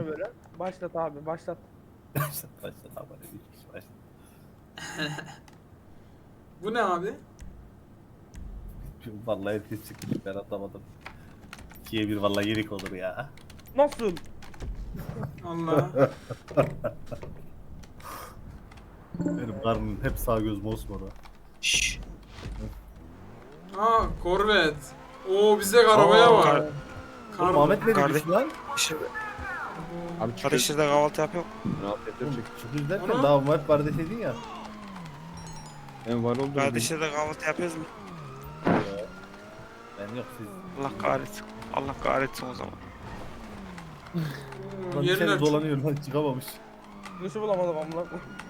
şunu böyle. Başlat abi başlat. Başlat abi. Başlat. Bu ne abi? Vallahi herkes çıkmış ben atlamadım. 2'ye 1 vallahi yerik olur ya. Nasıl? Allah. Benim karnım hep sağ göz mosmora. Şşş. Aa Corvette. Oo bizde arabaya Aa, var. Oğlum Ahmet ne Kardeş- demiş lan? İşte Abi çıkıyor. kardeşlerle kahvaltı yapıyor. Rahat edecek. Çıkıyoruz derken Onu- daha var kardeşledin ya. En var oldu. Kardeşlerle kahvaltı yapıyoruz mu? Ben yok siz. Allah kahretsin. Allah kahretsin o zaman. Lan Yerler içeri çok... dolanıyor lan çıkamamış. Nasıl bulamadım amına.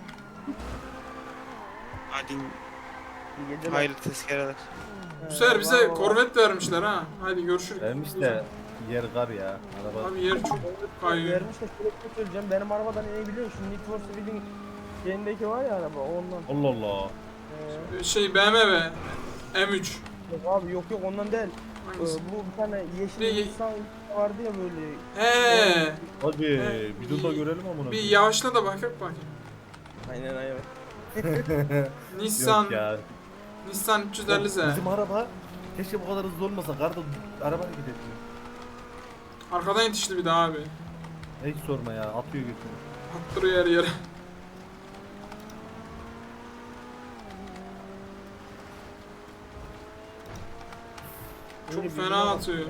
Hadi İyi geceler. hayırlı tezkereler. Bu sefer bize Var, var. Corvette vermişler ha. Haydi görüşürüz. Vermiş de yer kar ya. Araba. Abi yer çok kayıyor. Vermiş de sürekli söyleyeceğim. Benim arabadan inebiliyor. Şu Need for Speed'in şeyindeki var ya araba ondan. Allah Allah. Şey BMW M3. Yok abi yok ondan değil. Hangisi? Bu bir tane Ne- yeşil insan vardı ya böyle. He. Hadi He, bir dur da görelim amına. Bir yavaşla da bakayım bakayım. Aynen aynen. Nissan. Yok ya. Nissan 350Z. Bizim araba keşke bu kadar hızlı olmasa. Karda araba hareket etmiyor. Arkadan yetişti bir daha abi. Hiç sorma ya. Atıyor götünü. Attırıyor her yere. Öyle Çok bir fena var. atıyor.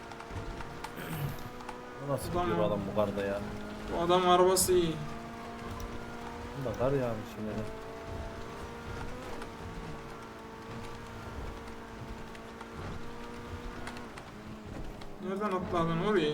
Nasıl Ulan gidiyor ya. adam bu karda ya? Bu adam arabası iyi. Bunda kar yağmış yine de. Nereden atladın orayı?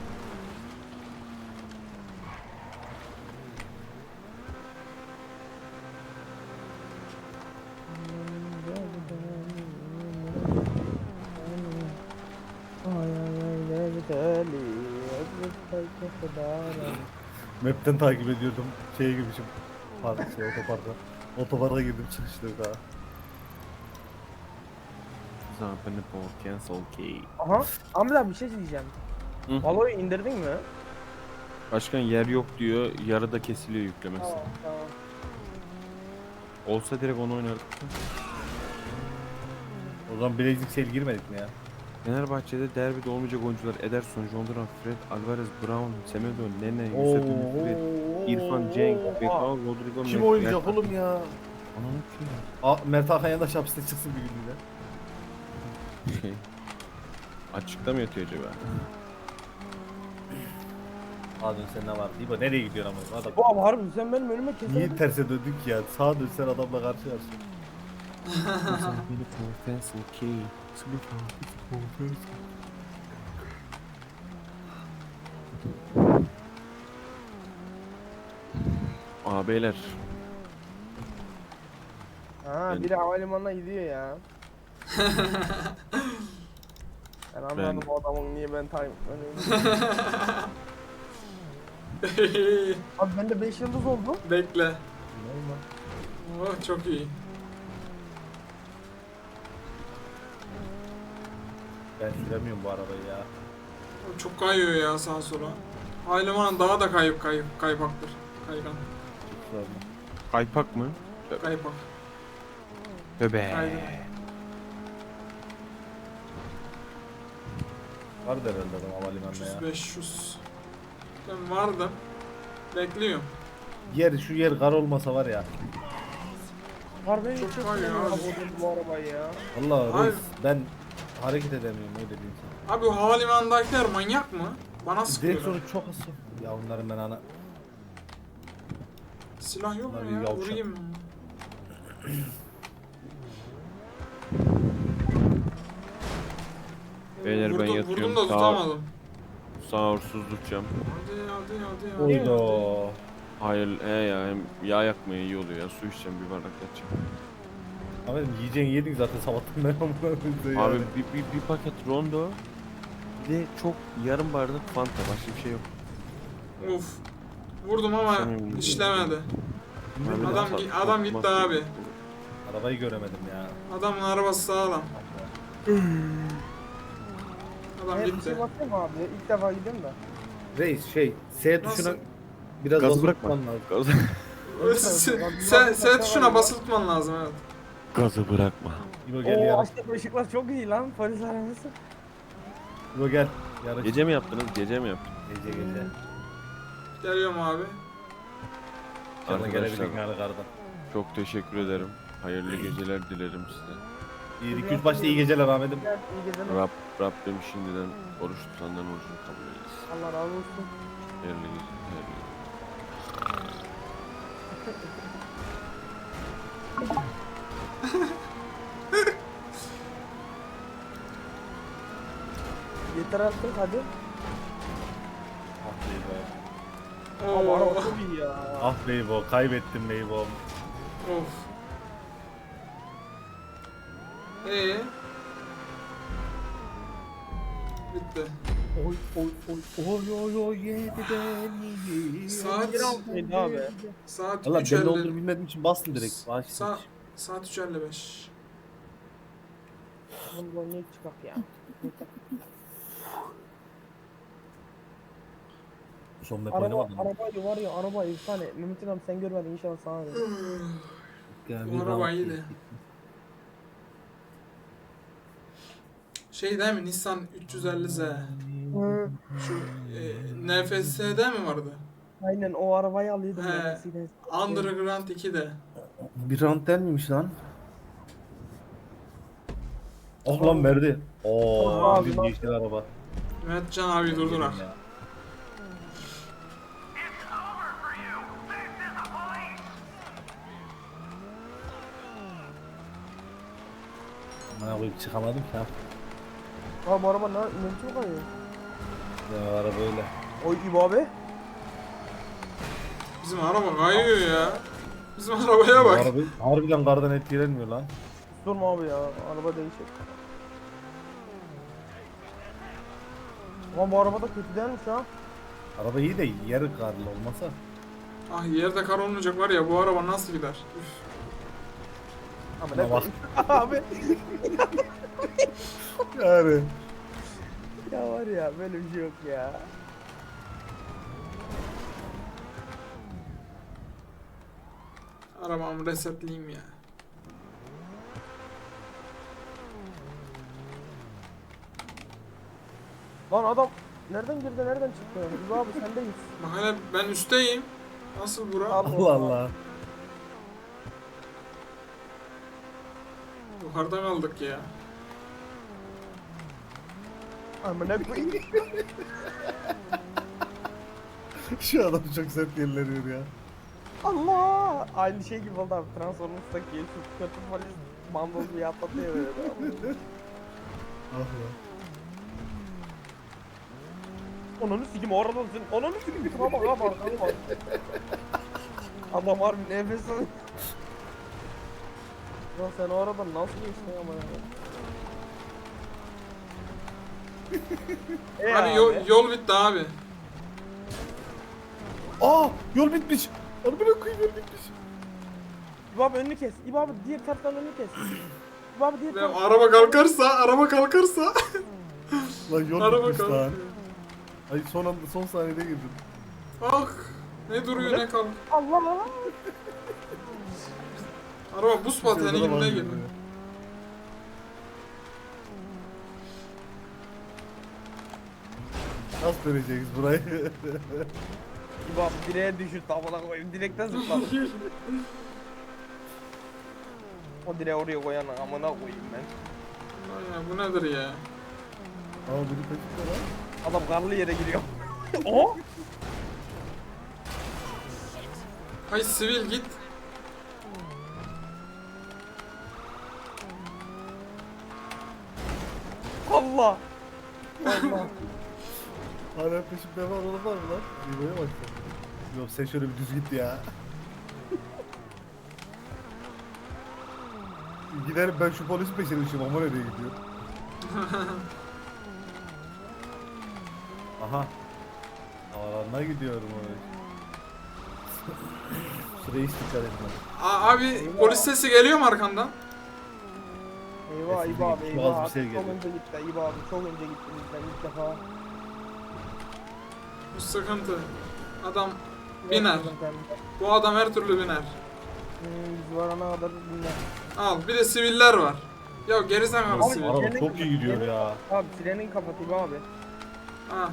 Map'ten takip ediyordum. Şeye girmişim. Otoparka. Otoparka girdim çıkışta daha. Zampene for cancel key. Aha. Amca bir şey diyeceğim. Hı. Valo'yu indirdin mi? Başkan yer yok diyor. Yarıda kesiliyor yüklemesi. Tamam tamam. Olsa direkt onu oynardık. O zaman Blazik Sale girmedik mi ya? Fenerbahçe'de derbide olmayacak oyuncular Ederson, John Duran, Fred, Alvarez, Brown, Semedo, Nene, Oo. Yusuf Ümit, İrfan, Cenk, Bekao, Rodrigo, Kim Mert- oynayacak Mert- oğlum ya? Ananı kim Mert Hakan yandaş hapiste çıksın bir günlüğüne. ya? Şey, açıkta mı yatıyor acaba? Sağa dönsen ne var? İbo nereye gidiyorsun ama? Adam. Bu abi harbi sen benim önüme kesin. Niye terse döndük ya? Sağa dönsen adamla karşı karşıya. Zampene for cancel key. Beyler. Ha Ben- biri havalimanına gidiyor ya. Ben anladım o adamın niye ben time Abi bende 5 yıldız oldu. Bekle. Oh çok iyi. Ben süremiyorum bu arabayı ya. Çok kayıyor ya sağa sola. Aylımanın daha da kaypaktır. Kaygan. Çok sorma. Kaypak mı? Kaypak. Bebe. Kaygan. Var da herhalde adam havalimanında ya. 500. Ben vardım. Bekliyorum. Şu yer kar olmasa var ya. Harbi Çok çok kayıyor sevmiyorum abi. bu arabayı ya. Vallahi Ay. reis ben hareket edemiyorum öyle diyeyim sana. Abi bu havalimanındakiler manyak mı? Bana sıkıyorlar. Direksiyonu çok hızlı. Ya onların ben ana... Silah yok Bunlar mu bir ya? yavşak. Vurayım mı? Beyler ben Vurdum yatıyorum. da Sağ, tutamadım. sağırsız tutacağım. Hadi. Oydo. Hayır ya hem yağ yakmaya iyi oluyor ya. Su içeceğim bir bardak yatacağım. Ahmet'im yiyeceğini yedin zaten sabahtan beri amına koyayım Abi yani. bir paket rondo. Bir de çok yarım bardak fanta. Başka bir şey yok. Of. Vurdum ama Sen- işlemedi. Abi, Adam gitti abi. Arabayı göremedim ya. Adamın arabası sağlam. Adam Bir gitti. şey bakayım abi. İlk defa gidiyorum da. Reis S tuşuna Nasıl? biraz Gazı basıp bırakma. tutman lazım. Sen tuşuna basılı tutman lazım evet. Gazı bırakma. İbo gel Oo yarış. açtık ışıklar çok iyi lan polis arabası. İbo gel. Yarış. Gece mi yaptınız? Gece mi yaptınız? Gece. Geliyorum abi. Sana Arkadaşlar gelebildik yani kardan. çok teşekkür ederim. Hayırlı geceler dilerim size. İyi 2-3 başta iyi geceler Ahmet'im. Gel iyi geceler. Rabbim şimdiden oruç tutanların orucunu kabul eylesin. Allah razı olsun. Hayırlı geceler. Hayırlı geceler. Yeter artık hadi. Ah be İbo. Ama araba Oo. çok iyi ya. Ah be İbo. Kaybettim be İbo. Of. Bitti. Oy yedi beni. Saat Neydi abi? saat Valla belli olduğunu 3:50. bilmediğim için bastım direkt. Başladım. Saat 3:55. Bundan ne çıkak ya? Son map Araba, oynamadım. arabaydı var ya araba efsane. Mehmet'in abi sen görmedin inşallah sana ver. Bu araba iyiydi. Şey değil mi? Nissan 350Z. Şu NFS'de mi vardı? Aynen o arabayı alıyordum He. ben eskiden. Underground 2'de. Bir round der miymiş lan? Oh lan verdi. Oo, Abi, bir lan. yeşil araba. Mehmetcan abi durdurak. Ya. Bana koyup çıkamadım ki ha. Abi bu araba ne biçim kayıyor? Ya araba öyle. Oy İbo abi. Bizim araba kayıyor ya. Bizim arabaya Bu bak. araba harbiden kardan etkilenmiyor lan. Durma abi ya araba değişik. Ama bu araba da kötü değilmiş ha. Araba iyi de yarı karlı olmasa. Ah yerde kar olmayacak var ya bu araba nasıl gider? Üf. Ama Buna bak. abi. Yani. Ya var ya böyle bir şey yok ya. Arabamı resetleyeyim ya. Lan adam nereden girdi nereden çıktı? İbo abi sendeyiz. Bak hele ben üstteyim. Nasıl bura? Allah Allah. Yukarıda kaldık ya. Amına koyayım. Şu adam çok sert yerleniyor ya. Allah! Aynı şey gibi oldu abi. Transformers'taki şu kötü polis mandoz bir atlatıyor böyle. Ah lan. Onunu sikim oradan sen. Onunu sikim. Tamam abi arkana bak. Adam harbi nefes alıyor. Lan sen o aradan nasıl geçtin ama ya? Abi yol bitti abi. Aa yol bitmiş. Arabaya koyayım yol bitmiş. İbo abi önünü kes. İbo abi diğer taraftan önünü kes. İbo abi diğer Ve taraftan. araba kalkarsa. Lan yol Araba bitmiş lan. kalkıyor. Ay son saniyede girdim. Ah ne duruyor ne kalk. Allah Allah. Araba buz pateni Şurada gibi var ne gibi. gibi. Nasıl döneceğiz burayı? İbo abi direğe düşür tabana koyayım. Direkten zıpladım. O direği oraya koyan amına koyayım ben. Ay ya bu nedir ya? Ama biri kaçırdı lan. Adam karlı yere giriyor. O? Hay sivil git. Allah. Allah. Hala peşimde var olan var mı lan? İbo'ya bak sen. Yok sen şöyle bir düz git ya. Giderim ben şu polisin peşine düşeyim ama nereye gidiyor? Aha. Havalarına gidiyorum öyle. Şuraya hiç dikkat etme. Abi polis sesi geliyor mu arkandan? Eyvah Kesin İbo abi değil, eyvah. bazı bir şey Çok geliyor. önce gitti İbo abi çok önce gitti bizden ilk defa. Bu sıkıntı. Adam biner. Bu adam her türlü biner. Biz varana kadar dinler. Al bir de siviller var. Ya gerizekalı Abi, sivil. Araba çok iyi gidiyor ya. Abi sirenin kapatayım abi. Ha,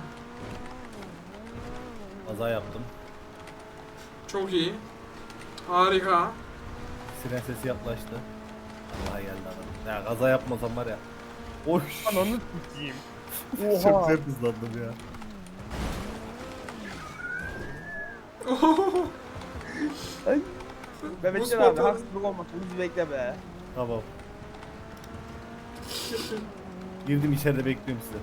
Kaza yaptım. çok iyi. Harika. Siren sesi yaklaştı. Allah geldi adam. Ya kaza yapmasam var ya. Oy. Ananı sikeyim. Çok Oha. sert hızlandım ya. Mehmetcan Buz abi patladı. haksızlık olmasın. Bizi bekle be. Tamam. Girdim içeride bekliyorum sizi.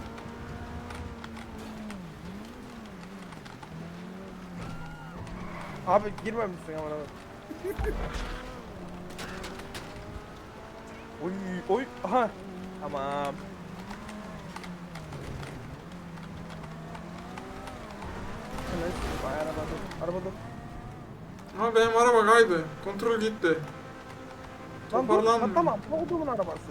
Abi girmemişsin aman abi. Oy oy. Aha. Tamam. Hemen vay araba dur. Araba dur. Ama benim araba kaydı. Kontrol gitti. Lan dur. Toparlanmıyor. Tamam. Bu odumun arabası.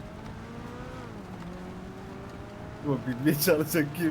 Bu bilmeye çalışacak kim?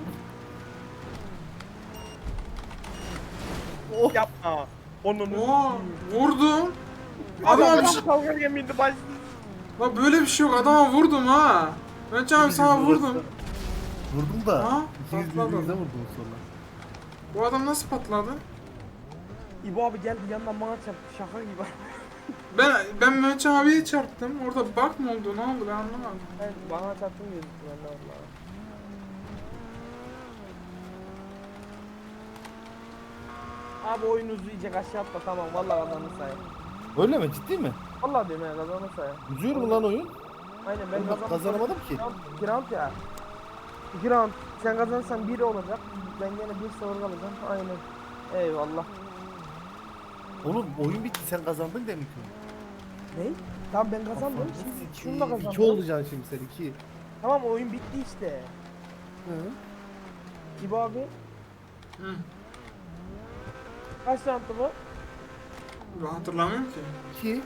Oh. Yapma. Onun. Oo, vurdum. Adama bir şey... kavga gemiydi başsız. Bak böyle bir şey yok. Adama vurdum ha. Ben canım sana vurdum. Vurdum da. Ha? İkiniz Patladı. birbirinize vurdunuz sonra. Bu adam nasıl patladı? İbo abi geldi yandan bana çarptı. Şaka gibi. Ben Mehmet abiye çarptım. Orada bug mı oldu? Ne oldu? Ben anlamadım. Ben bana çarptın gözüktü ben de valla. Abi oyun uzayacak aşağı atla tamam valla kazanır sayı. Öyle mi? Ciddi mi? Valla diyorum ya kazanır sayı. Uzuyor mu lan oyun? Aynen ben Ben kazanamadım ki. 2 round ya. 2 round. Sen kazanırsan 1 olacak. Ben gene 1-0 kalacağım. Aynen. Eyvallah. Oğlum oyun bitti sen kazandın demek ki. Ne? Tamam ben kazandım. Şimdi şunu da kazandım. 2 olacaksın şimdi sen 2. Tamam oyun bitti işte. Hı. İbo abi Hı. kaç roundtu bu? Ben hatırlamıyorum ki. 2.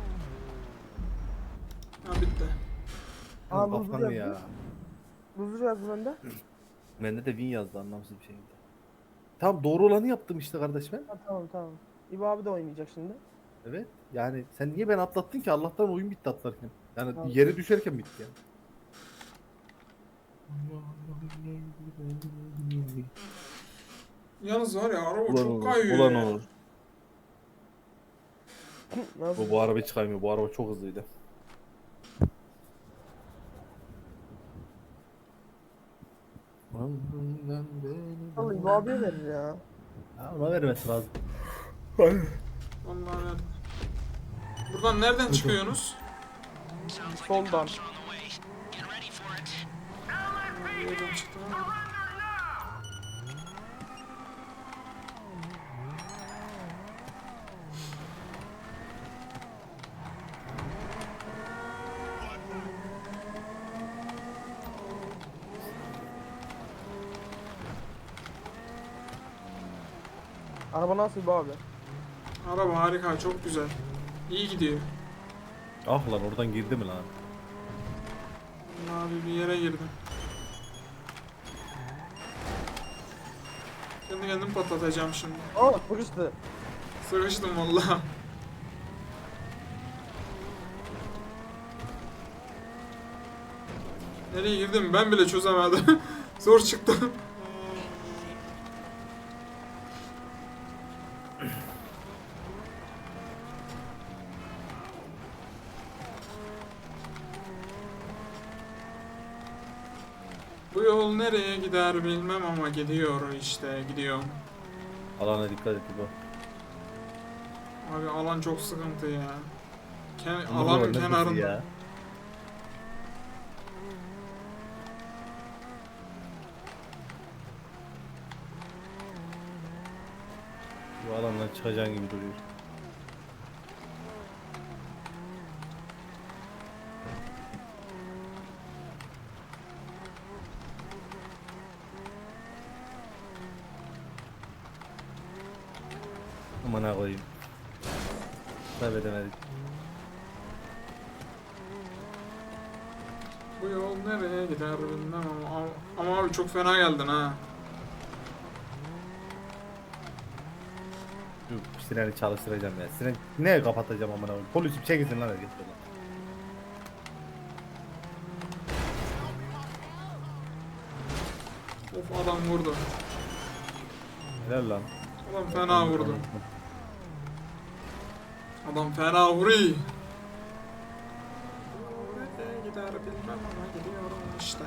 Ha bitti. Aa, Kafan loser ya. yazdı. Loser yazdı bende. Bende de win yazdı anlamsız bir şekilde. Tamam doğru olanı yaptım işte kardeş ben. Ha, tamam tamam. İbo abi de oynayacak şimdi. Evet. Yani sen niye beni atlattın ki? Allah'tan oyun bitti atlarken. Yani Tamam. yere düşerken bitti yani. Yalnız var ya araba çok olur. kayıyor Ulan ya. olur. Nasıl? Bu araba hiç kaymıyor. Bu araba çok hızlıydı. Vallahi İbo abiye verir ya. Ha, ona vermesi lazım. Vallahi verdim. Buradan nereden çıkıyorsunuz? Soldan. Nereden çıktım ama? Araba nasıl İbo abi? Araba harika, çok güzel. İyi gidiyor. Ah lan oradan girdi mi lan? Abi bir yere girdim. Kendi kendim patlatacağım şimdi. Aa sıkıştı. Sıkıştım valla. Nereye girdim ben bile çözemedim. Zor çıktı. Bu yol nereye gider bilmem ama gidiyor işte gidiyor. Alana dikkat et bu. Abi alan çok sıkıntı ya. Bunlar Alanın neredesin kenarında. ya? Bu alandan çıkacağın gibi duruyor. Aman ha koyayım. Kaybedemedik. Bu yol nereye gider bilmem ama abi çok fena geldin ha. Şu sireni çalıştıracağım ya. Siren ne kapatacağım amına koyayım. Polisim çekilsin lan herkes buradan. Of adam vurdu. Helal lan. Adam fena vurdu. Adam fena vuruyor. Nereye gider bilmem ama gidiyorum işte.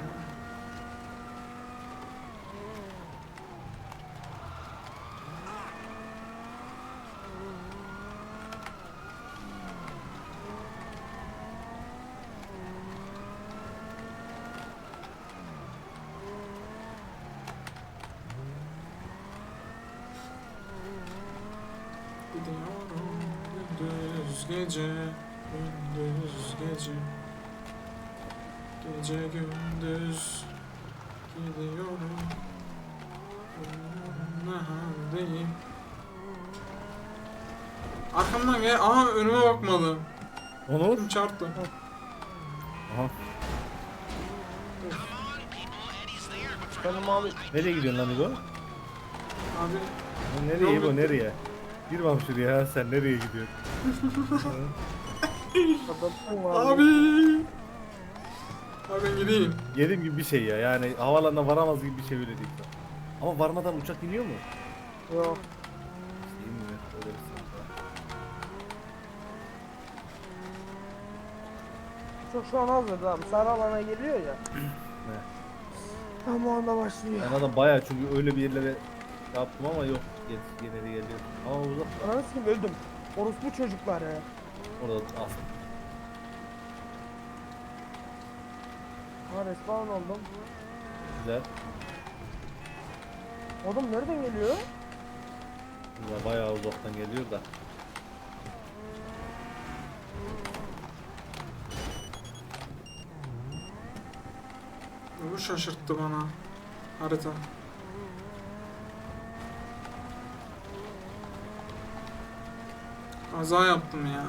Gidiyorum gündüz gece, gündüz gece, gece gündüz gidiyorum. Ne haldeyim? Arkamdan gel. Aha önüme bakmadı. Onur. Çarptı. Aha. Benim abi. Nereye gidiyorsun lan İbo? Abi Lan nereye Yol İbo bitti. nereye? Gir bak şuraya sen nereye gidiyorsun? Kapattın mı abi. Abi ben gideyim. Dediğim gibi bir şey ya yani havalarına varamaz gibi bir şey öyle değil. Ama varmadan uçak iniyor mu? Yok. İyi mi? Öyle bir sıkıntı var. Çok şu an hazır abi. Sarı alana geliyor ya. Ne? Tam o anda başlıyor. Ben adam bayağı çünkü öyle bir yerlere yaptım ama yok. Gene de geliyor. Ama uzak. Ananı sikeyim öldüm. Orospu çocuklar ya. Orada asıl. Ha respawn oldum. Güzel. Oğlum nereden geliyor? Güzel. Bayağı uzaktan geliyor da. Bu şaşırttı bana. Harita. Kaza yaptım ya.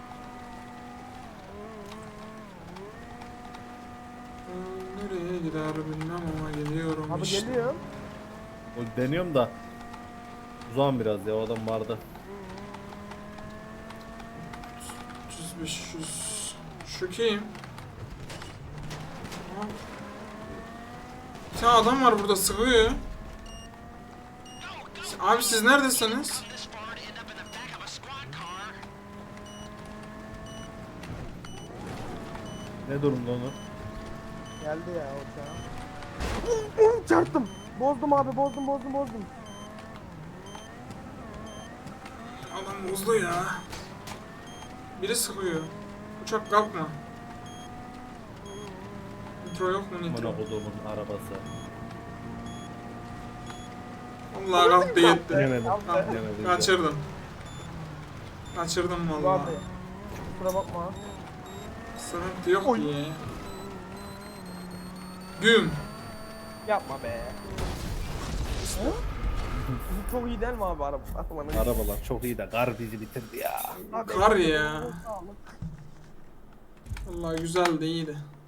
Nereye gider bilmem ama geliyorum Abi işte. geliyor. O deniyorum da. Uzağım biraz ya o adam vardı. 300 500. Şu kim? Aa. Bir tane adam var burada sıkıyor. Abi siz neredesiniz? Ne durumda onu? Geldi ya o uçağa. Çarptım. Bozdum abi bozdum. Adam bozdu ya. Biri sıkıyor. Uçak kalkma. Nitro yok mu nitro? Amına koduğumun arabası. Vallahi kalktı gitti. Yemedim. Yaptı. Yemedim. Kaçırdım. Kaçırdım Abi. vallahi. Kusura bakma. Sıkıntı yok Oy. diye. Güm. Yapma be. Bu çok iyi değil mi abi araba? Atmanın. Arabalar çok iyi de kar bizi bitirdi ya. Abi, Kar ya. sağlık. Vallahi güzeldi iyiydi.